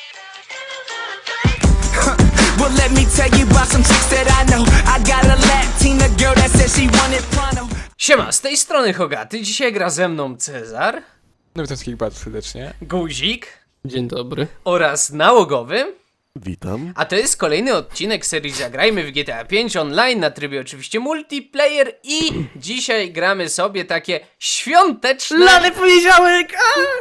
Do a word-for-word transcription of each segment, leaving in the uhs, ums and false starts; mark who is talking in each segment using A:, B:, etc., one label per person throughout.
A: Well, let me tell you about some chicks that I know. I got a Latina girl that said she wanted pronto.
B: Siema, z tej strony Hogaty, dzisiaj gra ze mną Cezar.
C: No witam wszystkich bardzo serdecznie.
B: Guzik.
D: Dzień dobry.
B: Oraz Nałogowy.
E: Witam.
B: A to jest kolejny odcinek serii Zagrajmy w G T A pięć online na trybie oczywiście multiplayer i dzisiaj gramy sobie takie świąteczne...
D: Lany poniedziałek!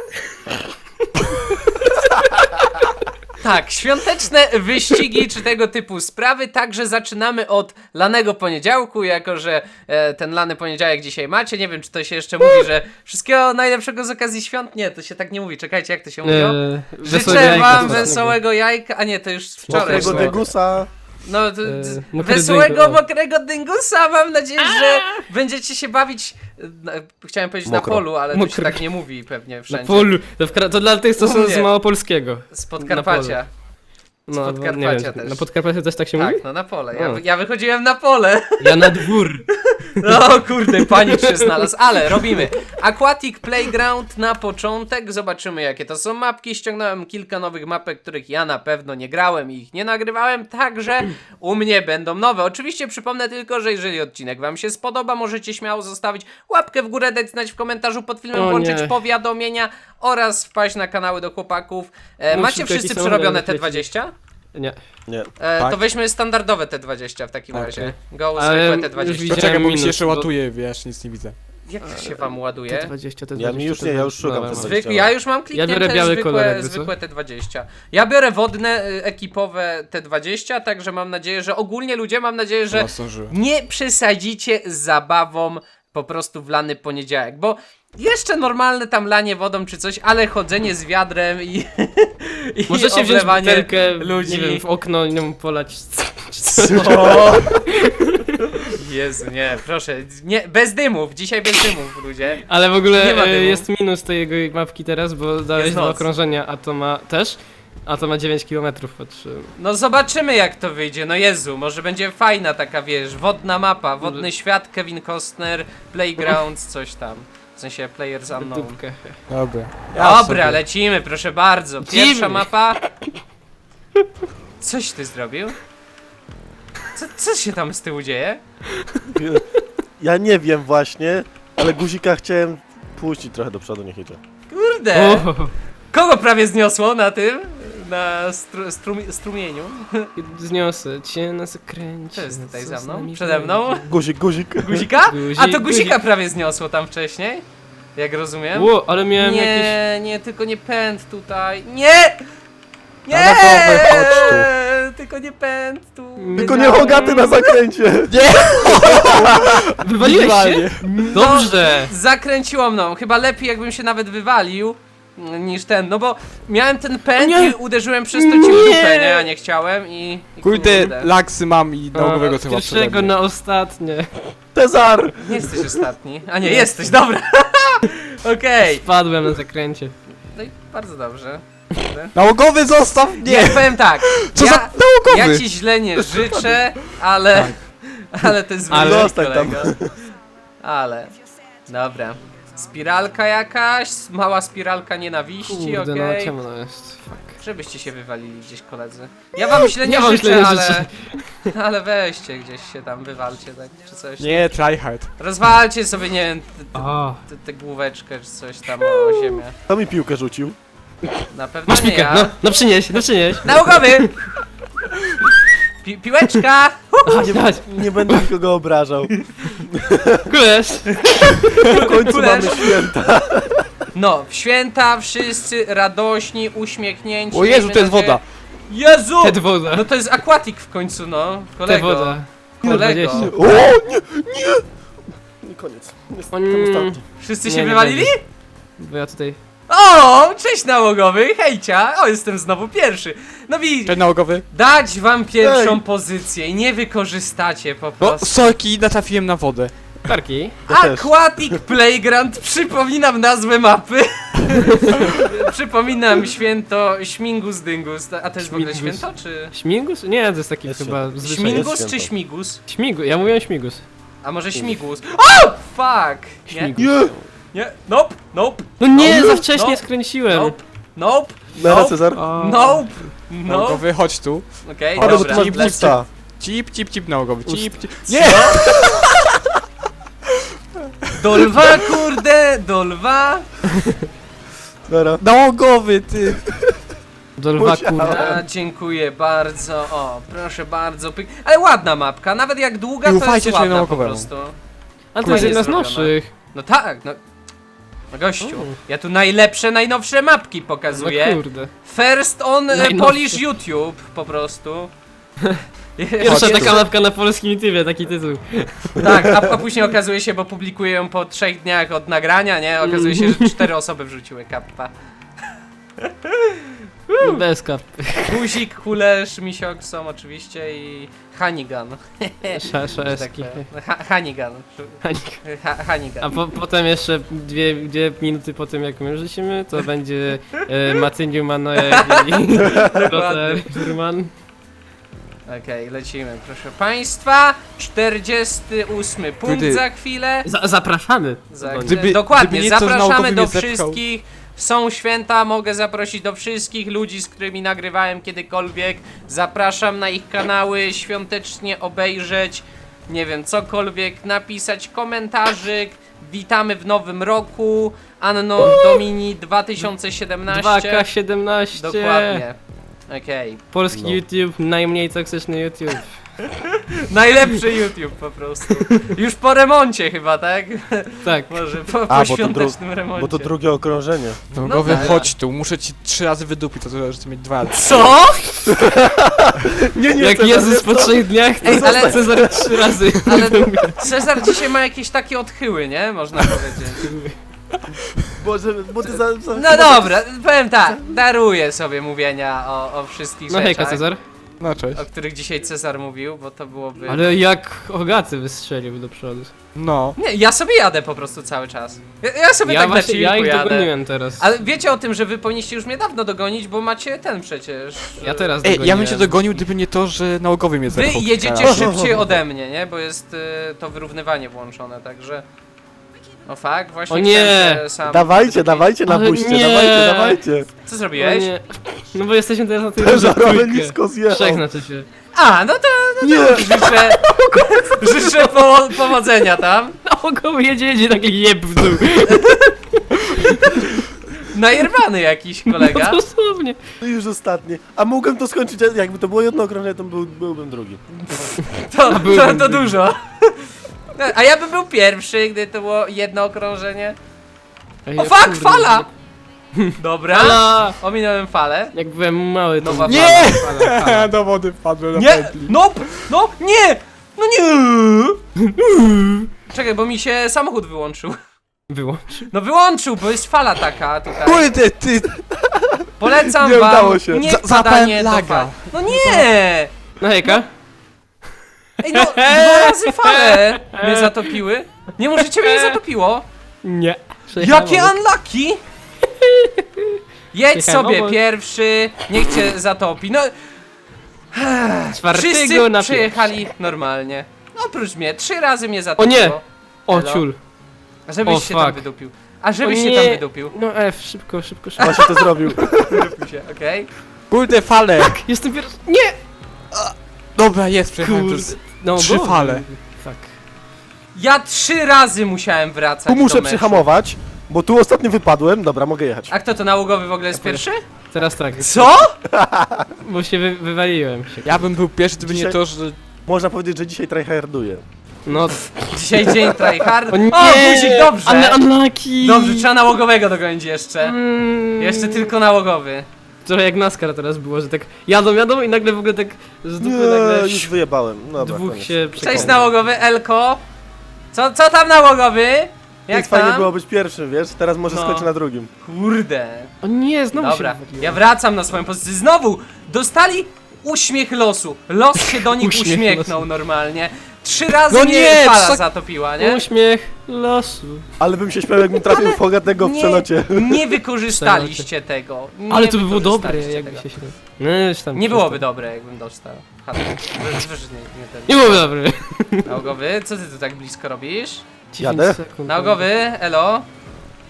B: Tak, świąteczne wyścigi czy tego typu sprawy, także zaczynamy od lanego poniedziałku, jako że e, ten lany poniedziałek dzisiaj macie, nie wiem czy to się jeszcze mówi, że wszystkiego najlepszego z okazji świąt, nie, to się tak nie mówi, czekajcie jak to się mówiło?
D: Eee,
B: Życzę wam wesołego jajka, a nie, to już wczoraj
E: Mokrego
B: było.
E: degusa.
B: No, to,
D: Eee,
B: to,
D: mokry
B: wesołego,
D: dyngus.
B: mokrego dyngusa, mam nadzieję, że będziecie się bawić, na, chciałem powiedzieć
E: Mokro.
B: na polu, ale to się
D: Mokro.
B: tak nie mówi pewnie
D: Na
B: wszędzie.
D: polu. To, w, Kra- to dla tych, co są
B: Mówię.
D: z Małopolskiego.
B: Z Podkarpacia.
D: No,
B: Z
D: bo
B: Podkarpacia
D: nie wiem,
B: też.
D: Na Podkarpacie też tak się
B: Tak,
D: mówi?
B: no na pole. Ja,
D: O.
B: ja wychodziłem na pole.
D: Ja na dwór.
B: No kurde, panik się znalazł, ale robimy Aquatic Playground na początek, zobaczymy jakie to są mapki, ściągnąłem kilka nowych mapek, których ja na pewno nie grałem i ich nie nagrywałem, także u mnie będą nowe. Oczywiście przypomnę tylko, że jeżeli odcinek wam się spodoba, możecie śmiało zostawić łapkę w górę, dać znać w komentarzu pod filmem,
D: O
B: włączyć
D: nie.
B: powiadomienia oraz wpaść na kanały do chłopaków. E,
D: Mów
B: macie
D: szybko,
B: wszyscy
D: jaki
B: przerobione
D: samochód
B: T
D: leci.
B: dwadzieścia?
D: Nie.
E: Nie.
B: E,
C: Tak.
B: To weźmy standardowe T dwadzieścia w takim
C: Okej.
B: razie. Go
D: Ale
B: zwykłe
D: już
B: T dwadzieścia.
D: widziałem
C: Poczekaj, bo mi się
D: minus,
C: jeszcze
D: bo-
C: łatuje, wiesz, nic nie widzę.
B: Jak to się wam ładuje?
D: T dwadzieścia, T
E: Ja
D: dwadzieścia.
E: mi już nie, ja już szukam
D: Dobra.
E: T dwadzieścia.
B: Zwykły, ja już mam kliknięte
D: Ja biorę biały
B: zwykłe,
D: kolor, jakby co?
B: zwykłe T dwadzieścia. Ja biorę wodne, y, ekipowe T dwadzieścia, także mam nadzieję, że ogólnie ludzie, mam nadzieję, że
C: Chyba zdążyłem.
B: nie przesadzicie z zabawą po prostu w lany poniedziałek, bo jeszcze normalne tam lanie wodą czy coś, ale chodzenie z wiadrem i, i
D: Możecie wziąć
B: oblewanie
D: butelkę,
B: ludzi.
D: nie wiem, w okno i nią polać.
B: Co? Jezu, nie, proszę, nie, bez dymów, dzisiaj bez dymów, ludzie.
D: Ale w ogóle
B: Nie ma
D: e,
B: dymu.
D: jest minus tej jego mapki teraz, bo dałeś
B: Jest
D: dwa
B: noc.
D: okrążenia, a to ma też. A to ma dziewięć kilometrów, patrzyłem.
B: No zobaczymy jak to wyjdzie, no Jezu, może będzie fajna taka, wiesz, wodna mapa, wodny świat, Kevin Costner, Playground, coś tam. W sensie Players Unknown.
D: Dupkę.
C: Dobra.
B: Dobra,
C: sobie.
B: lecimy, proszę bardzo. Pierwsza
D: Lecimy.
B: mapa. Coś ty zrobił? Co, co się tam z tyłu dzieje?
E: Ja nie wiem właśnie, ale guzika chciałem puścić trochę do przodu, niech idzie.
B: Kurde!
D: O,
B: Kogo prawie zniosło na tym? Na stru, strumi, strumieniu?
D: zniosę cię na zakręcie.
B: Co jest tutaj
D: co
B: za
D: z
B: mną?
D: nami
B: Przede mną?
D: będzie?
E: Guzik, guzik.
B: Guzika?
D: Guzik,
B: A to guzika
D: guzik.
B: prawie zniosło tam wcześniej? Jak rozumiem?
D: Ło, ale miałem
B: Nie,
D: jakieś...
B: nie, tylko nie pęd tutaj. Nie! Nie!
E: Na dole, chodź tu.
B: Tylko nie pęd tu.
E: Tylko nie Hogaty na zakręcie.
D: Wywaliłeś się?
C: Idealnie.
D: Dobrze!
B: Zakręciło mną. Chyba lepiej jakbym się nawet wywalił mm, niż ten, no bo miałem ten pęd
D: Nie.
B: i uderzyłem przez to ci w dupę, nie? A nie chciałem i... i
C: Kurde, laksy mam i nałogowego
D: A,
C: chyba
D: od pierwszego
C: przede mnie.
D: na ostatnie.
E: Cezar.
B: Nie jesteś ostatni. A nie, jesteś, dobra. Okej.
D: Spadłem na zakręcie.
B: No i bardzo dobrze.
C: Nałogowy zostaw
B: Nie,
C: mnie!
B: powiem tak.
C: Co
B: ja,
C: za nałogowy?
B: ja ci źle nie życzę, ale... Ale to jest
D: Ale-
B: wynik,
E: Zostań tam.
B: kolego. Ale... Dobra. Spiralka jakaś, mała spiralka nienawiści,
D: Kurde,
B: okej.
D: no ciemno jest. Fuck.
B: Żebyście się wywalili gdzieś, koledzy. Ja wam źle nie,
D: Nie wam
B: życzę,
D: źle nie
B: ale...
D: życzę.
B: Ale weźcie gdzieś się tam, wywalcie tak, czy coś.
C: Nie, tryhard.
B: Rozwalcie sobie, nie wiem, tę
D: O,
B: główeczkę, czy coś tam o ziemię.
E: Kto mi piłkę rzucił?
B: Na pewno
D: masz
B: nie
D: piłkę,
B: ja.
D: no, no przynieś, no przynieś.
B: Nałogowy! Pi piłeczka!
D: Chodź, chodź,
E: Nie będę nikogo obrażał.
D: kulesz.
E: W końcu
B: Kulesz.
E: mamy święta.
B: No, w święta wszyscy radośni, uśmiechnięci.
C: O Jezu,
B: miejmy
C: to jest
B: nadzieję-
C: woda.
B: Jezu!
D: Ted woda.
B: No to jest aquatic w końcu, no.
D: Te
B: Kolego.
D: woda.
B: Kolego.
D: dwadzieścia.
E: O, nie, nie. I koniec. Jest
D: Mm.
E: tam ostatni.
B: Wszyscy
D: Nie,
B: się
D: nie
B: wywalili?
D: będzie. Bo ja tutaj...
B: O, cześć nałogowy, hejcia. O, jestem znowu pierwszy. No widzisz,
C: Cześć nałogowy.
B: dać wam pierwszą
E: Ej.
B: pozycję i nie wykorzystacie po
C: No,
B: prostu.
C: sorki, natrafiłem na wodę.
D: Karki.
E: Ja też.
B: Aquatic Playground, przypominam nazwę mapy. Przypominam święto Śmingus Dyngus. A to jest w ogóle
D: Śmigus.
B: święto, czy...
D: Śmigus? Nie, to jest taki
E: Jest
D: chyba
E: święto.
D: zwyczaj.
E: Śmigus?
B: Śmigus czy
E: święto.
B: Śmigus?
D: Śmigus, ja mówiłem śmigus.
B: A może Śmigus? O, fuck! Nie,
D: Śmigus.
E: Nie.
B: nie, nope, nope,
D: No nie,
E: No,
D: za wcześnie
B: no.
D: skręciłem.
B: nope. Nope.
E: Nara,
B: Nope.
E: Cezar.
D: O,
B: Nope. Nope.
C: Nałogowy, chodź tu.
B: Okej,
E: Ale bo
B: dobra.
E: tu masz
C: Cip,
E: busta.
C: Cip, cip, cip nałogowy, cip, cip.
B: Nie! Do lwa, kurde, do lwa.
E: Nara.
C: Nałogowy, ty.
D: do lwa
E: Musiałem.
D: kurwa.
B: A, dziękuję bardzo. O, proszę bardzo. Pyk. Ale ładna mapka, nawet jak długa,
C: I
B: to jest
C: ufajcie
B: ładna po
C: czarnogowemu.
B: prostu.
D: Ale to jest
B: Fajnie
D: jedna z
B: zrobiona.
D: nowszych.
B: No tak, no. No gościu,
D: O.
B: ja tu najlepsze, najnowsze mapki
D: No
B: pokazuję.
D: kurde.
B: First on e,
D: Najnowsze.
B: Polish YouTube, po prostu.
D: Pierwsza
B: Jest-
D: taka mapka na polskim YouTubie, taki tytuł.
B: Tak, a, a później okazuje się, bo publikuję ją po trzech dniach od nagrania, nie? Okazuje się, że cztery osoby wrzuciły kappa.
D: Bez kapy.
B: Guzik, Kulesz, Misiok są oczywiście i Hanigan.
D: Sz-
B: że tak
D: Szeski.
B: powiem. Ha, Hanigan. Ha, Hanigan.
D: A po, potem jeszcze dwie, dwie minuty po tym jak my rzucimy, to będzie e, Matyniu Manoek i Lothar Furman.
B: Okej, lecimy, proszę państwa. czterdziesty ósmy punkt
C: Gdy-
B: za chwilę.
D: Za, zapraszamy.
B: Za,
C: Gdyby-
B: dokładnie,
C: gdyby nieco
B: zapraszamy
C: naukowy
B: do
C: mnie zepchał.
B: wszystkich. Są święta, mogę zaprosić do wszystkich ludzi, z którymi nagrywałem kiedykolwiek. Zapraszam na ich kanały, świątecznie obejrzeć, nie wiem, cokolwiek, napisać komentarzyk. Witamy w nowym roku, Anno Domini dwa tysiące
D: dwa
B: siedemnaście.
D: K siedemnaście.
B: Dokładnie. Okej.
D: Polski
E: No.
D: YouTube, najmniej toksyczny YouTube.
B: Najlepszy YouTube po prostu. Już po remoncie chyba, tak?
D: Tak.
B: Może po, po
E: A, bo to,
B: świątecznym
E: dru-
B: remoncie.
E: bo to drugie okrążenie.
C: Nałogowy,
B: tak.
C: chodź tu. Muszę ci trzy razy wydupić, to że chcę mieć dwa razy.
B: Co?
E: Nie, nie,
D: Jak
E: Cezar,
D: Jezus
E: nie
D: po
E: to.
D: trzech dniach, to
B: Ej, ale-
D: Cezar trzy razy.
B: Ale Cezar dzisiaj ma jakieś takie odchyły, nie? Można powiedzieć.
E: Boże, bo ty za... za
B: No dobra, powiem tak, daruję sobie mówienia o, o wszystkich
D: No
B: rzeczach,
D: hejka Cezar.
C: No cześć.
B: o których dzisiaj Cezar mówił, bo to byłoby...
D: Ale jak Ogaty wystrzelił do przodu.
C: No.
B: Nie, ja sobie jadę po prostu cały czas. Ja, ja sobie
D: Ja
B: tak na
D: właśnie, ja
B: chillku
D: ich
B: jadę.
D: dogoniłem teraz.
B: Ale wiecie o tym, że wy powinniście już mnie dawno dogonić, bo macie ten przecież...
D: Ja teraz
C: Ej,
D: dogoniłem.
C: ja bym cię dogonił, gdyby nie to, że nałogowy mnie
B: Wy
C: zepchał.
B: jedziecie
C: Teraz.
B: szybciej ode mnie, nie? Bo jest y, to wyrównywanie włączone, także... O fuck, właśnie
D: O nie!
B: chciałem się sam
E: Dawajcie,
B: wydupić.
E: dawajcie na
D: Ale
E: buście,
D: nie.
E: dawajcie, dawajcie.
B: Co
D: No,
B: zrobiłeś?
D: nie. No bo jesteśmy teraz na tej
E: Żarowy
D: trójkę.
E: nisko zjechał.
D: Trzech znaczy się.
B: A, no to
E: Nie,
B: życzę... życzę po, powodzenia tam.
D: Nałogowy jedzie, jedzie taki jeb w dół.
B: Najerwany jakiś kolega.
D: No dosłownie.
E: to już ostatnie. A mogłem to skończyć, jakby to było jedno okrążenie, to był, byłbym drugi.
B: To, to,
D: byłbym
B: to
D: drugi.
B: dużo. A ja bym był pierwszy, gdy to było jedno okrążenie.
D: Ej,
B: O
D: ja
B: fuck,
D: kurde,
B: fala! Dobra.
D: Fala!
B: Ominąłem falę.
D: Jak byłem mały, to
B: Nowa
C: Nie!
B: fala.
D: fala, fala.
C: Do wody wpadłem na
B: Nie!
C: pętli.
B: No! No! Nie! No nie! Czekaj, bo mi się samochód wyłączył.
D: Wyłącz.
B: No wyłączył, bo jest fala taka tutaj.
C: Kurde, ty!
B: Polecam
E: Nie
B: wam
E: udało się.
B: nie
C: Za-
B: wpadanie
C: zapałem
B: do
C: laga.
B: fal. No nie!
D: No hejka.
B: Ej, no dwa razy fale mnie zatopiły. Nie możecie mnie zatopiło.
D: Nie. Przejechałem
B: Jakie
D: obok.
B: unlucky! Jedź
D: Jechałem
B: sobie
D: obok.
B: pierwszy, niech cię zatopi. No,
D: Czwartego
B: wszyscy
D: na
B: przyjechali normalnie. Oprócz mnie, trzy razy mnie zatopiło.
D: nie! O
B: Elo.
D: ciul.
B: Żebyś
D: O,
B: się tam
D: fuck.
B: wydupił. A żebyś
D: O
B: się
D: nie.
B: tam wydupił.
D: No F, szybko, szybko, szybko.
E: Właśnie to zrobił.
B: Wydupił się, okej?
C: Kurde, fale!
D: Jestem pierwszy. Nie!
C: Dobra, jest, przejechałem
D: Kurde.
C: przez...
D: No,
C: Trzy
D: bo-
C: fale.
D: Fuck.
B: Ja trzy razy musiałem wracać
E: Tu
B: do
E: muszę
B: meczu.
E: przyhamować, bo tu ostatnio wypadłem. Dobra, mogę jechać.
B: A kto to nałogowy w ogóle jest pierwszy?
D: Teraz tak,
B: Co?
D: bo się wy, wywaliłem się.
C: Ja bym był pierwszy, gdyby nie
E: Dzisiaj-
C: to, że...
E: Można powiedzieć, że dzisiaj tryharduję.
D: No,
B: Dzisiaj dzień tryhard.
D: o nie!
B: O, guzik, dobrze!
D: Un unlucky!
B: Dobrze, trzeba nałogowego dogonić jeszcze.
D: Mm.
B: Jeszcze tylko nałogowy.
D: Trochę jak NASCAR teraz było, że tak jadą, jadą i nagle w ogóle tak z dupy
E: Nie,
D: nagle
E: już wyjebałem. Dobra,
D: dwóch
E: koniec.
D: się
B: Cześć
D: przekonał.
B: nałogowy, Elko. Co, co tam nałogowy? Jak
E: Więc fajnie
B: tam?
E: było być pierwszym, wiesz? Teraz może
B: No.
E: skończę na drugim.
B: Kurde.
D: O nie, znowu
B: Dobra,
D: się wywaliłem.
B: ja wracam na swoją pozycję. Znowu dostali uśmiech losu. Los się do nich
D: Uśmiech
B: uśmiechnął
D: losu.
B: normalnie. Trzy razy
C: No
B: mnie
C: nie,
B: fala
C: co-
B: zatopiła, nie?
D: Uśmiech losu.
E: Ale bym się śmiał, jakbym trafił w Hogatego w
B: Nie,
E: przelocie.
B: nie wykorzystaliście tego. Nie
D: Ale to by było dobre,
B: wykorzystaliście
D: jakby
B: tego.
D: się się... No, już tam
B: Nie byłoby
D: przestań.
B: dobre, jakbym dostał. Ha, wiesz, wiesz, nie, nie ten.
D: Nie byłoby dobre.
B: Nałogowy, co ty tu tak blisko robisz?
D: dziesięć
E: Jadę?
D: sekund.
B: Nałogowy, elo.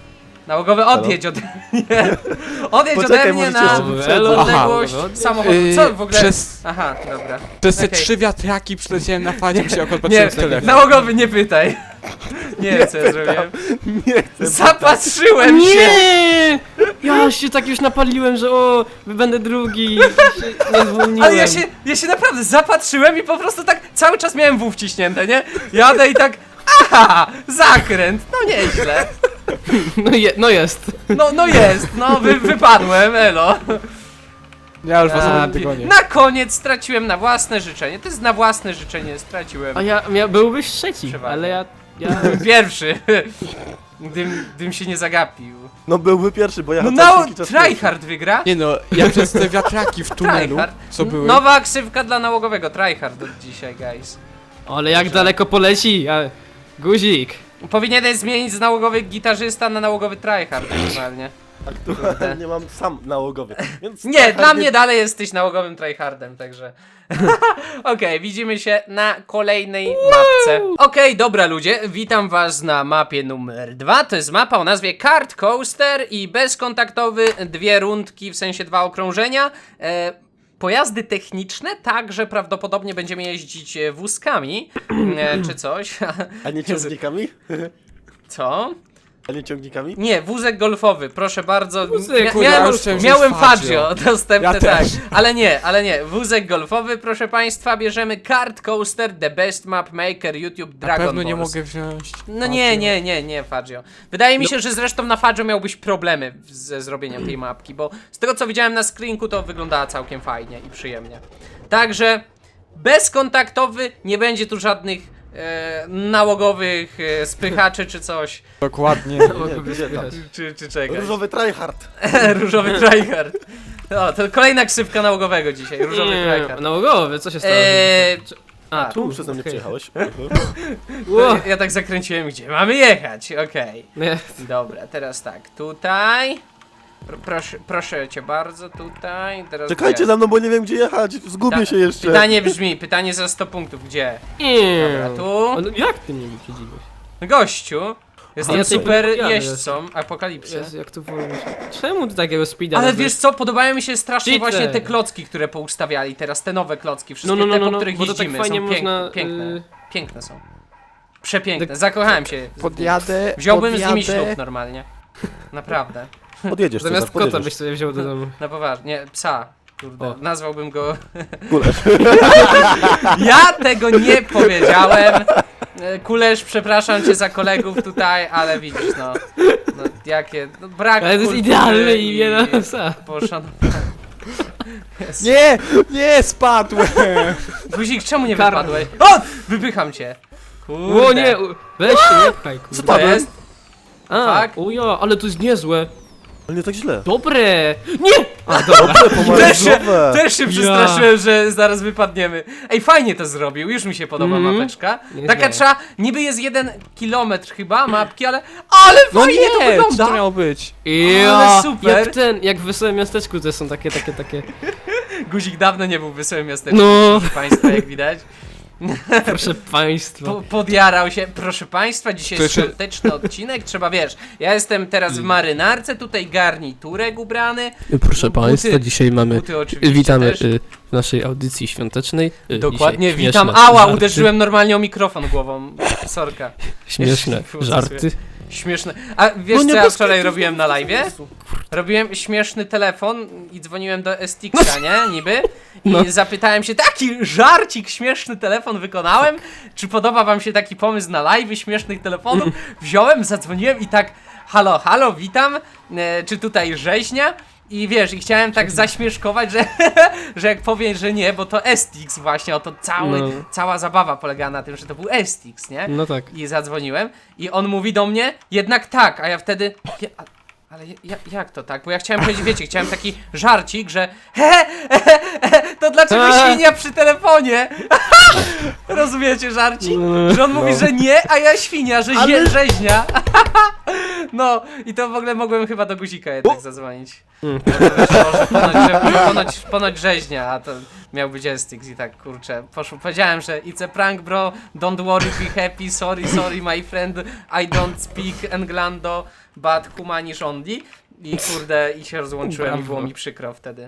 B: Nałogowy, odjedź ode mnie. Odjedź
E: Poczekaj,
B: ode mnie
E: możecie
B: na
E: jeszcze wyprzedzać.
B: odległość
D: Aha.
B: samochodu.
C: Yy,
B: Co w ogóle?
C: przez-
B: Aha, dobra.
C: Przez te
B: Okej.
C: trzy wiatraki przyleciałem na fazie, się akurat
B: Nie,
C: patrzyłem w telefon.
B: nałogowy, nie pytaj. Nie wiem, co ja zrobiłem.
E: Nie chcę.
B: Zapatrzyłem się!
D: Nie! Ja się tak już napaliłem, że o, będę drugi. I się nie zwolniłem.
B: Ale ja się, ja się naprawdę zapatrzyłem i po prostu tak cały czas miałem W wciśnięte, nie? Jadę i tak, aha, zakręt, no nieźle.
D: No, je, no jest.
B: No, no jest, no wy, wypadłem, elo.
C: Ja już was
B: A,
C: nie dogonię.
B: na koniec straciłem na własne życzenie, to jest na własne życzenie straciłem.
D: A ja, ja byłbyś trzeci,
B: Przeważnie.
D: ale ja... ja...
B: Pierwszy, gdym, gdym się nie zagapił.
E: No byłby pierwszy, bo ja
B: No
E: jechałem
B: na
E: jakiś czas pierwszy.
B: tryhard wygra.
C: Nie no, ja przez te wiatraki w tunelu,
B: Tryhard.
C: co były...
B: Nowa ksywka dla nałogowego, tryhard od dzisiaj, guys.
D: Ale jak daleko poleci, a... Guzik.
B: Powinieneś zmienić z nałogowy gitarzysta na nałogowy tryhard normalnie.
E: Aktualnie mam sam nałogowy, więc...
B: Nie,
E: tryhard
B: dla mnie dalej jesteś nałogowym tryhardem, także... Okej, widzimy się na kolejnej mapce. Okej, dobra ludzie, witam was na mapie numer dwa. To jest mapa o nazwie Kart Coaster i bezkontaktowy, dwie rundki, w sensie dwa okrążenia. E, Pojazdy techniczne, także prawdopodobnie będziemy jeździć e, wózkami, e, czy coś.
E: A nie ciągnikami?
B: Co?
E: A nie ciągnikami?
B: Nie, wózek golfowy, proszę bardzo.
D: Wózek,
B: Mia-
C: kurde,
B: miałem
C: ja już chciałem
B: miałem
C: wziąć
B: Fazio
C: Fazio.
B: dostępne,
C: Ja
B: tak.
C: też.
B: Ale nie, ale nie. Wózek golfowy, proszę państwa, bierzemy Kart Coaster, The Best Map Maker, YouTube,
C: Na
B: Dragon
C: pewno nie
B: Balls.
C: mogę wziąć.
B: No nie, nie, nie, nie, Fazio. Wydaje mi się, że zresztą na Fazio miałbyś problemy ze zrobieniem tej mapki, bo z tego co widziałem na screenku, to wyglądała całkiem fajnie i przyjemnie. Także bezkontaktowy, nie będzie tu żadnych e, nałogowych e, spychaczy czy coś,
C: Dokładnie.
E: Nie, gdzie tam?
B: czy, czy czegoś.
E: Różowy tryhard.
B: Różowy tryhard. O, to kolejna ksywka nałogowego dzisiaj, różowy
D: Nie,
B: tryhard.
D: nałogowy, co się stało?
B: Eee,
D: A,
B: a,
D: tu
E: Przeze mnie
D: okej.
E: przyjechałeś.
D: Ło.
B: ja, ja tak zakręciłem, gdzie mamy jechać, okej.
D: Nie.
B: Dobra, teraz tak, tutaj. Pro, proszę, proszę cię bardzo, tutaj. Teraz
E: Czekajcie
B: gdzie?
E: za mną, bo nie wiem gdzie jechać. Zgubię
B: Ta-
E: się jeszcze.
B: Pytanie brzmi, pytanie za sto punktów, gdzie?
D: Nie.
B: Dobra, tu.
D: Ale jak ty mnie wyprzedziłeś?
B: Gościu, jestem
D: ja tej
B: super
D: podpowiadam
B: jeźdźcą apokalipsy.
D: Jezu, jak to wolno się... Czemu ty takiego speeda
B: Ale
D: robisz?
B: wiesz co, podobają mi się strasznie
D: Cheater.
B: właśnie te klocki, które poustawiali teraz, te nowe klocki, wszystkie
D: No, no, no,
B: te,
D: no,
B: po
D: no,
B: których
D: bo to tak
B: jeździmy,
D: fajnie
B: są
D: można,
B: piękne, piękne,
D: y-
B: piękne są. Przepiękne,
D: Tak-
B: zakochałem się.
C: Podjadę,
B: Wziąłbym z
C: podjadę.
B: nimi ślub normalnie. Naprawdę.
E: Podjedziesz,
D: Zamiast
E: Cezar,
D: kota
E: podjedziesz.
D: byś sobie wziął do domu.
B: Na poważnie, nie, psa. Kurde,
D: O.
B: nazwałbym go...
E: Kulesz.
B: Ja tego nie powiedziałem. E, Kulesz, przepraszam cię za kolegów tutaj, ale widzisz, no. No jakie... No, brak
D: Ale to jest
B: kultury
D: idealne imię na psa.
B: poszanowania. Jezu.
C: Nie, nie, spadłem.
B: Guzik, czemu nie
D: Karma.
B: wypadłeś? O! Wypycham cię. Kurde.
D: O nie, u- weź się, nie pchaj,
B: Co
D: kurde.
B: to jest?
D: A,
B: Fuck.
D: ujo, ale to jest niezłe.
E: Ale nie tak źle.
D: Dobre! Nie! A, dobra.
B: Też się,
E: Pomarańczowe.
B: też się przestraszyłem, że zaraz wypadniemy. Ej, fajnie to zrobił, już mi się podoba
D: Mhm.
B: mapeczka.
D: Nie
B: Taka
D: źle.
B: trzeba, niby jest jeden kilometr chyba mapki, ale... Ale
C: No
B: fajnie
C: nie,
B: to
C: co
B: wygląda!
C: to miało być?
D: Ja,
B: Ale super.
D: Jak ten, jak w Wesołym Miasteczku to są takie, takie, takie.
B: Guzik dawno nie był w Wesołym Miasteczku,
D: No.
B: proszę państwa, jak widać.
D: Proszę państwa.
B: Po, podjarał się. Proszę państwa, dzisiaj
C: To
B: jest
C: jeszcze-
B: świąteczny odcinek, trzeba, wiesz, ja jestem teraz w marynarce, tutaj garniturek ubrany.
D: Proszę
B: buty-
D: państwa, dzisiaj mamy.
B: Buty oczywiście
D: Witamy
B: też.
D: y, w naszej audycji świątecznej. Y,
B: Dokładnie,
D: dzisiaj
B: witam.
D: śmieszne
B: Ała,
D: żarty,
B: uderzyłem normalnie o mikrofon głową. Sorka.
D: Śmieszne
B: Jeszcze nie
D: żarty.
B: Śmieszne. A wiesz
E: No nie
B: co ja
E: bez
B: wczoraj
E: kitu,
B: robiłem na live'ie? Robiłem śmieszny telefon i dzwoniłem do S T X a, nie? Niby. I
D: No.
B: zapytałem się, taki żarcik, śmieszny telefon wykonałem? Czy podoba wam się taki pomysł na live'y śmiesznych telefonów? Wziąłem, zadzwoniłem i tak, halo, halo, witam, e, czy tutaj rzeźnia? I wiesz, i chciałem tak zaśmieszkować, że, że jak powiem, że nie, bo to S T X właśnie, oto cały,
D: No.
B: cała zabawa polegała na tym, że to był S T X, nie?
D: No tak.
B: I zadzwoniłem i on mówi do mnie, jednak tak, a ja wtedy, ja, a- ale ja, jak to tak? Bo ja chciałem powiedzieć, wiecie, chciałem taki żarcik, że he, he, he, he, to dlaczego
D: A.
B: świnia przy telefonie? Rozumiecie żarcik? Że on mówi, że nie, a ja świnia, że
E: Ale-
B: ale... rzeźnia. No i to w ogóle mogłem chyba do guzika jednak zadzwonić.
D: Mm.
B: Może, może ponoć, że, ponoć, ponoć rzeźnia, a to miał być S T X i tak, kurczę, poszło, powiedziałem, że it's a prank, bro, don't worry, be happy, sorry, sorry, my friend, I don't speak Englando, but Humanish only. I kurde, i się rozłączyłem i było mi przykro wtedy.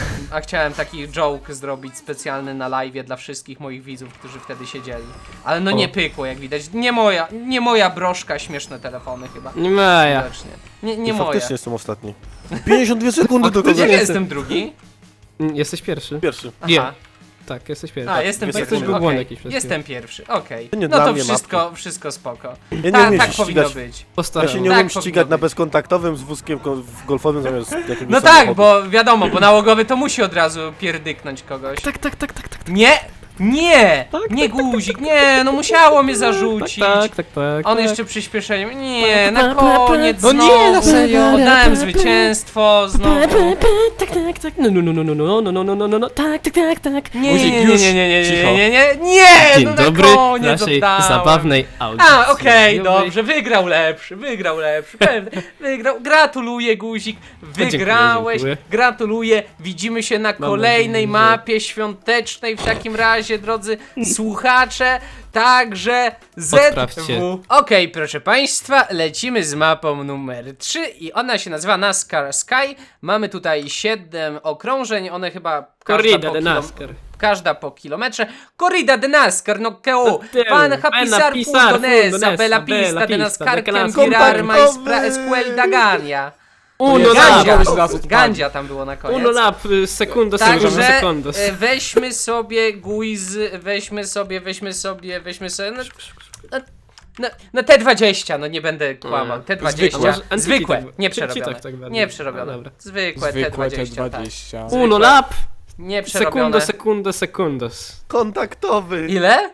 B: A chciałem taki joke zrobić specjalny na live'ie dla wszystkich moich widzów, którzy wtedy siedzieli. Ale no nie pykło, jak widać. Nie moja, nie moja broszka, śmieszne telefony chyba.
D: Nie ma ja.
B: Widocznie. Nie, nie
E: I
B: moja.
E: faktycznie jestem ostatni. pięćdziesiąt dwie sekundy do kogo
B: Jak ja jestem drugi?
D: Mm, Jesteś pierwszy.
E: Pierwszy.
D: Nie.
B: Aha.
D: Tak, jesteś pierwszy.
B: A, jestem
E: dwie
B: pierwszy,
E: sekundy.
B: okej.
D: Błąd jakiś przez
B: Jestem pierwszy, okej.
E: To nie
B: No
E: dla
B: to
E: mnie
B: wszystko, wszystko spoko.
E: Ja nie
B: Ta,
E: umiem
B: tak
E: się
B: powinno
E: ścigać.
B: być.
E: Ja
D: Postaram.
E: się nie
B: Tak
E: umiem
B: powinno
E: ścigać na
B: być.
E: bezkontaktowym z wózkiem ko- golfowym zamiast jakiegoś
B: No
E: samochodu.
B: tak, bo wiadomo, bo nałogowy to musi od razu pierdyknąć kogoś.
D: Tak, tak, tak, tak, tak.
B: Nie! Nie!
D: Tak,
B: Nie guzik, nie, no musiało mnie zarzucić.
D: Tak, tak, tak.
B: On
D: tak.
B: jeszcze przyspieszeniem. Nie, na koniec
C: No nie,
B: znowu.
C: na serio.
B: Oddałem zwycięstwo znowu.
D: Tak, tak, tak. No, no, no, no, no, no, no, no, no, no, no, no, tak, tak, tak, tak.
B: Nie,
C: Guzik,
B: nie, nie,
C: już
B: nie, nie, nie,
C: cicho.
B: nie, nie, nie, nie,
D: Dzień
B: no na
D: dobry
B: koniec
D: naszej
B: oddałem.
D: zabawnej audycji.
B: A, okej,
D: radiowej.
B: dobrze, wygrał lepszy, wygrał lepszy, pewnie, wygrał, gratuluję Guzik, wygrałeś,
D: dziękuję.
B: gratuluję, widzimy się na kolejnej
D: nadzieję, że-
B: mapie świątecznej, w takim razie, drodzy słuchacze, także
D: Odprawcie.
B: Z W. Okej, proszę państwa, lecimy z mapą numer trzy i ona się nazywa NASCAR Sky, mamy tutaj siedem okrążeń, one chyba każda
D: Corrida
B: po
D: de
B: kilom-
D: NASCAR.
B: Każda po kilometrze. Corrida de NASCAR, no que
D: No teu,
B: Pan
D: buena
B: hapisar
D: pisar
B: fundonesa,
D: fundonesa,
B: bella
D: bella
B: pista de
D: pista
B: NASCAR,
D: de
B: quem
D: NASCAR.
B: virar mais
E: Kontaktowy.
B: pra escuel da Gania.
D: Uno
B: Gandzia,
D: lap.
C: Zaraz odpadnie.
B: Gandzia tam było na koniec.
D: Uno lap, y, segundo, segundo,
B: Także
D: sekundos.
B: e, weźmy sobie guiz, weźmy sobie, weźmy sobie, weźmy sobie, no, no, no, no T dwadzieścia, no nie będę kłamał, T dwadzieścia,
C: Zwykłe.
D: Może Antiki
B: zwykłe,
D: tak-
B: nie
D: czy-
B: przerobione,
D: czy tak tak bardziej?
B: nie
D: No
B: przerobione,
D: dobra.
B: zwykłe T
C: Zwykłe T
B: dwadzieścia, tak.
C: dwadzieścia.
D: Uno lap,
B: Nie
D: segundo,
B: przerobione.
D: segundo, sekundos.
E: Kontaktowy.
B: Ile?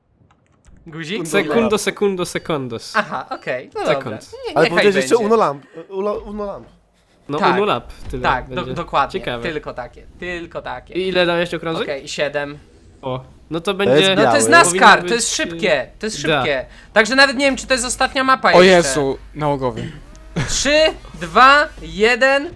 B: Guzik? Ile?
D: Segundo, segundo, sekundos.
B: Aha, okej, no
D: Sekund.
B: dobra. Nie,
E: Ale
B: niechaj
E: powiedziałeś jeszcze
B: będzie.
E: Uno Lamp. Uno, uno Lamp.
D: No
B: Tak.
D: uno lap, tyle
B: Tak, do,
D: będzie.
B: dokładnie.
D: Ciekawe.
B: Tylko takie, tylko takie.
D: I ile dałeś okrążeń?
B: Okej, siedem.
D: O, no to
E: jest
D: będzie...
B: No to jest
E: Białe.
B: NASCAR,
D: Powinno
B: to jest
D: być,
B: szybkie, to jest
D: da.
B: szybkie. Także nawet nie wiem, czy to jest ostatnia mapa
C: O
B: jeszcze.
C: Jezu, nałogowy.
B: trzy, dwa, jeden.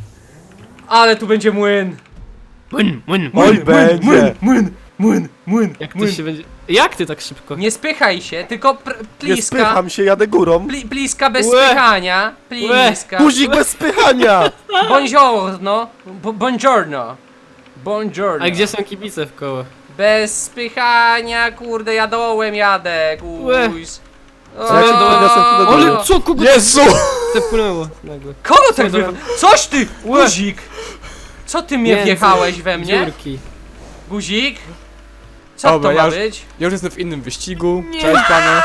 B: Ale tu będzie młyn.
D: Młyn, młyn,
E: Oj, będzie.
B: Młyn, młyn, młyn,
D: Jak ty się będzie... Jak ty tak szybko?
B: Nie spychaj się, tylko pr-
E: Nie
B: pliska.
E: spycham się, jadę górą.
B: Pli, pliska bez
D: Łe.
B: spychania. Pliska.
E: Guzik bez spychania.
B: Buongiorno. Bu- Buongiorno. Buongiorno.
D: A gdzie są kibice w koło?
B: Bez spychania, kurde, ja dołem jadę,
D: Łe.
B: guys.
E: Co ja ci podniosłem tu do góry?
D: Ale co, kogo
C: Jezu!
D: tepnęło nagle?
B: Kogo tak
D: Co
B: wy... Coś ty,
D: Łe.
B: guzik! Co ty mnie
D: Między
B: wjechałeś we mnie?
D: Dziurki.
B: Guzik? Co
C: Dobra,
B: to ma
C: ja już-
B: być?
C: Ja już jestem w innym wyścigu. Cześć panie.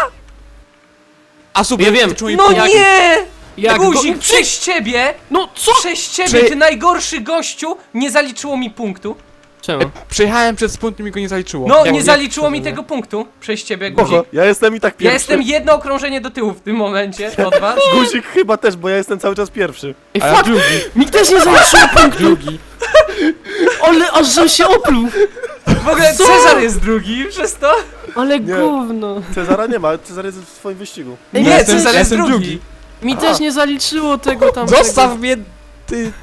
C: A super,
D: Ja wiem.
C: czuję
B: No
C: jak-
B: nie!
D: Jak
B: Guzik,
D: go...
B: przez ciebie!
D: No co?
B: Przez ciebie,
C: Czy-
B: ty najgorszy gościu! Nie zaliczyło mi punktu.
D: Czemu?
C: Przejechałem przez punkt i mi go nie zaliczyło.
B: No,
C: Jak-
B: nie
C: jak-
B: zaliczyło mi
D: nie?
B: tego punktu. Przez ciebie, guzik.
E: Spoko, ja jestem i tak
B: Ja
E: pierwszy.
B: jestem jedno okrążenie do tyłu w tym momencie od was.
E: Guzik chyba też, bo ja jestem cały czas pierwszy.
D: Ej,
C: A ja
D: fuck!
C: drugi.
D: Mi też nie zaliczyło punktu!
C: Drugi.
D: Ale aż żem się opluł!
B: W ogóle
D: Co?
B: Cezar jest drugi, przez to?
D: Ale
E: Nie.
D: gówno!
E: Cezara nie ma, Cezar jest w swoim wyścigu.
B: Nie,
C: Ja jestem-
B: Cezar
C: ja
B: jest
C: jestem
B: drugi.
D: Mi też nie zaliczyło tego tam.
C: Zostaw mnie, ty.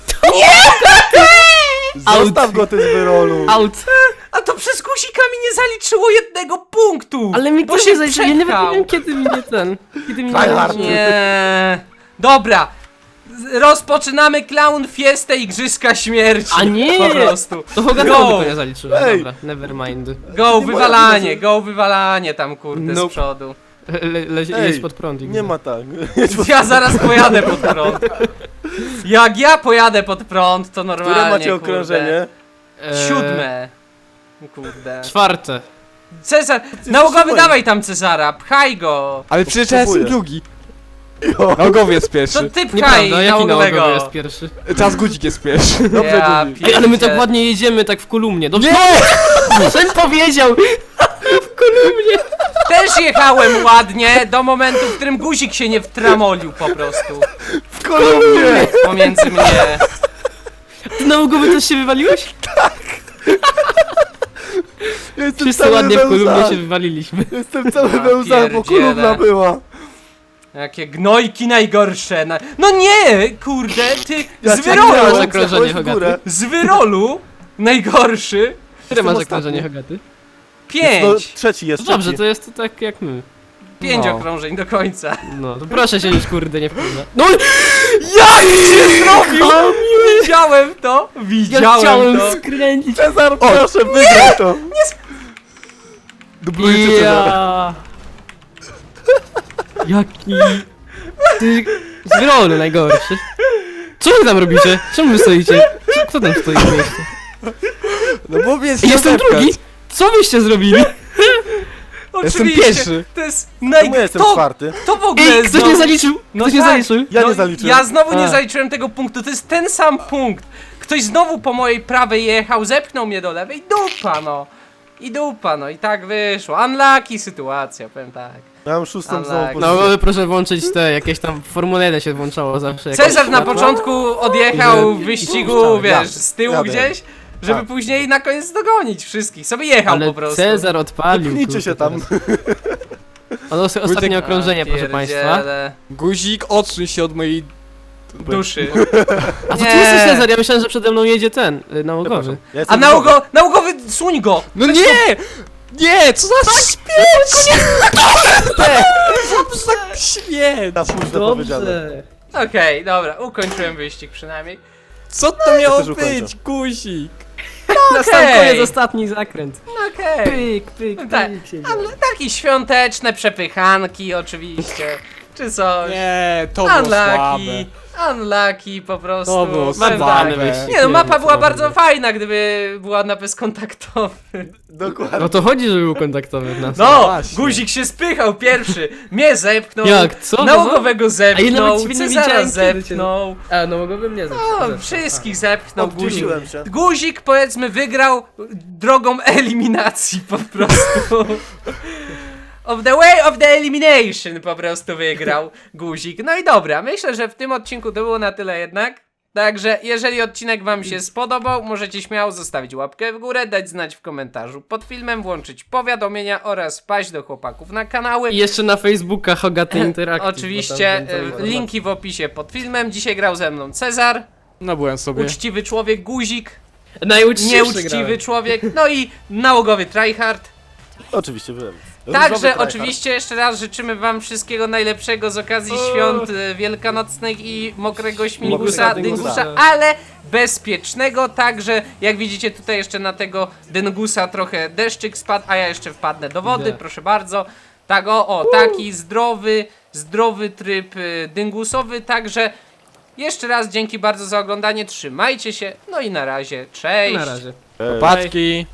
E: Zostaw go ty z wyrolu.
D: Out!
B: A to przez guzika mi nie zaliczyło jednego punktu!
D: Ale mi
B: bo
D: też
B: się
D: nie zaliczyło. Ja nie
B: przepchał.
D: wiem kiedy mi nie ten. Kiedy mi nie
E: Tryhard.
D: zaliczyło.
B: Nie. Dobra. Z- Rozpoczynamy Clown Fiestę Igrzyska Śmierci.
D: A nie!
B: Po prostu.
D: To Hogan
B: Go.
D: tylko nie zaliczyło.
E: Ej.
D: Dobra, never mind.
B: Go
E: Nie
B: wywalanie,
E: moja
B: go wywalanie tam kurde z
D: Nope.
B: przodu.
D: Le, le,
E: Ej,
D: jest pod prąd.
E: Nie ma tak.
B: Ja zaraz pojadę pod prąd. Jak ja pojadę pod prąd, to normalnie.
E: Które macie
B: kurde.
E: okrążenie?
D: Eee,
B: Siódme. Kurde.
D: Czwarte.
B: Cezar,
E: jesteś
B: nałogowy
E: moim.
B: dawaj tam Cezara, pchaj go.
C: Ale przecież ja jestem
E: Kupuję.
C: drugi.
E: Jo.
C: Nałogowy jest
B: To
C: pierwszy.
B: ty pchaj
D: Nieprawda, jaki
B: nałogowego.
D: nałogowy jest pierwszy?
C: Teraz Guzik jest pierwszy.
E: Dobrze,
B: Ja
E: Guzik.
D: Ej, ale my tak
B: pierdzielę.
D: ładnie jedziemy, tak w kolumnie. Dobrze?
C: Nie!
D: Sen powiedział! W kolumnie!
B: Też jechałem ładnie do momentu, w którym guzik się nie wtramolił po prostu.
E: W kolumnie!
B: Pomiędzy mnie.
D: Ty nałogowy też się wywaliłeś?
E: Jestem
D: Wszyscy
E: cały
D: ładnie w
E: we
D: kolumnie
E: łzach.
D: się wywaliliśmy.
E: Jestem cały
B: Ja
E: we łzach, bo
B: pierdzielę.
E: kolumna była.
B: Jakie gnojki najgorsze. Na... No nie, kurde, ty
E: Ja
B: z
E: cię
B: wyrolu,
E: widziałem,
D: zakrążenie,
E: zjechałeś w
D: Hogaty.
E: górę.
B: z wyrolu najgorszy.
D: Które masz
E: ostatni.
D: okrążenie, Hogaty?
B: Pięć!
E: No, trzeci jest,
D: To dobrze,
E: trzeci.
D: to jest to tak jak my.
B: Pięć
C: No.
B: okrążeń do końca.
D: No, to proszę się już kurde nie wkurza. No
B: Ja nie zrobił! Widziałem to!
D: ja
B: Widziałem
D: chciałem
B: to!
D: skręcić.
E: Cezar, proszę, wygraj to!
C: Dublujecie Cezara.
D: Ja. Jaki... Ty... Zwyrolny najgorszy. Co wy tam robicie? Czemu wy stoicie? Co- Kto tam stoi w miejscu?
C: No bo mnie jest
D: Jestem drugi? Co wyście zrobili?
C: Jestem
B: Oczywiście!
C: pierwszy.
B: To jest
E: Czemu ja
B: naj...
E: jestem
B: To,
E: czwarty?
B: to w ogóle
D: Ej, ktoś
B: znowu-
D: nie zaliczył!
B: No
D: Ktoś nie
B: tak.
D: zaliczył!
E: Ja
B: No,
E: nie zaliczyłem.
B: Ja znowu nie
D: A.
B: zaliczyłem tego punktu, to jest ten sam punkt. Ktoś znowu po mojej prawej jechał, zepchnął mnie do lewej, dupa no. I dupa no, i tak wyszło. Unlucky sytuacja, powiem tak.
E: Ja mam szóstą
B: Ale-
E: znowu
B: No,
D: No,
E: pozycję.
D: ale proszę włączyć te, jakieś tam Formule jeden się włączało zawsze. jakaś
B: Cezar na
D: światła.
B: początku odjechał
D: I
B: w
D: że-
B: wyścigu,
D: i
B: wiesz,
E: jadę.
B: z tyłu
E: Jadę.
B: gdzieś, żeby
E: Tak.
B: później na koniec dogonić wszystkich. Sobie jechał
D: Ale
B: po prostu.
D: Cezar odpalił.
E: Pchnijcie
D: kurde,
E: się tam.
D: teraz. On os- ostatnie
B: A,
D: okrążenie, proszę państwa.
B: pierdziele.
C: Guzik, odsuń się od mojej...
B: Duszy.
D: A to
B: Nie.
D: ty jesteś Cezar, ja myślałem, że przede mną jedzie ten, y, nałogowy.
E: Przepraszam. Ja
B: A
E: jestem
B: nałogo, nałogowy, suń go!
C: No nie! Nie! Co za śmieć! Co za śmieć!
E: Na późno powiedziane.
B: Okej, dobra, ukończyłem wyścig przynajmniej.
C: Co to miało
E: też ukończę.
C: być, guzik?
D: Na sam
B: Okej.
D: koniec ostatni zakręt.
B: No okej.
D: Pyk, pyk,
B: Tak,
D: pyk. się
B: ale takie świąteczne przepychanki oczywiście, czy coś.
C: Nie, to było słabe.
B: Unlucky, unlucky po prostu.
C: To było
B: Powiem
C: słabe.
B: tak.
D: wyścig.
B: Nie no, mapa
D: wiem,
B: była
D: co
B: bardzo
D: robię.
B: fajna, gdyby była na bezkontaktowy.
E: Dokładnie.
D: No to chodzi, żeby był kontaktowy w nas.
B: No,
C: właśnie.
B: guzik się spychał pierwszy, mnie zepchnął,
D: Jak, co?
B: nałogowego
D: A ja
B: zepchnął,
D: nawet ciebie nie
B: Cezara
D: widziałem, kiedy cię-
B: zepchnął,
D: A, no mogłabym nie
B: no, wszystkich zepchnął guzik.
E: Oddzieliłem się.
B: Guzik powiedzmy wygrał drogą eliminacji po prostu. Of the way of the elimination po prostu wygrał guzik. No i dobra, myślę, że w tym odcinku to było na tyle jednak. Także jeżeli odcinek wam się spodobał, możecie śmiało zostawić łapkę w górę, dać znać w komentarzu pod filmem, włączyć powiadomienia oraz paść do chłopaków na kanały.
D: I jeszcze na Facebooka Hogaty Interactive.
B: Oczywiście
D: bo tam
B: e,
D: będą
B: linki w opisie pod filmem. Dzisiaj grał ze mną Cezar,
C: No byłem sobie.
B: uczciwy człowiek Guzik,
D: Najuczciwszy
B: nieuczciwy
D: grałem.
B: człowiek, no i nałogowy tryhard.
E: Oczywiście byłem.
B: Także
E: Różowy tryhard.
B: oczywiście jeszcze raz życzymy wam wszystkiego najlepszego z okazji świąt e, wielkanocnych i mokrego śmigusa,
E: Mokrego dyngusa.
B: dyngusa, ale bezpiecznego, także jak widzicie tutaj jeszcze na tego dyngusa trochę deszczyk spadł, a ja jeszcze wpadnę do wody,
D: Idę.
B: proszę bardzo. Tak o, o, taki zdrowy, zdrowy tryb y, dyngusowy, także jeszcze raz dzięki bardzo za oglądanie, trzymajcie się, no i na razie, cześć!
D: Na razie.
E: Ej.
C: Patki.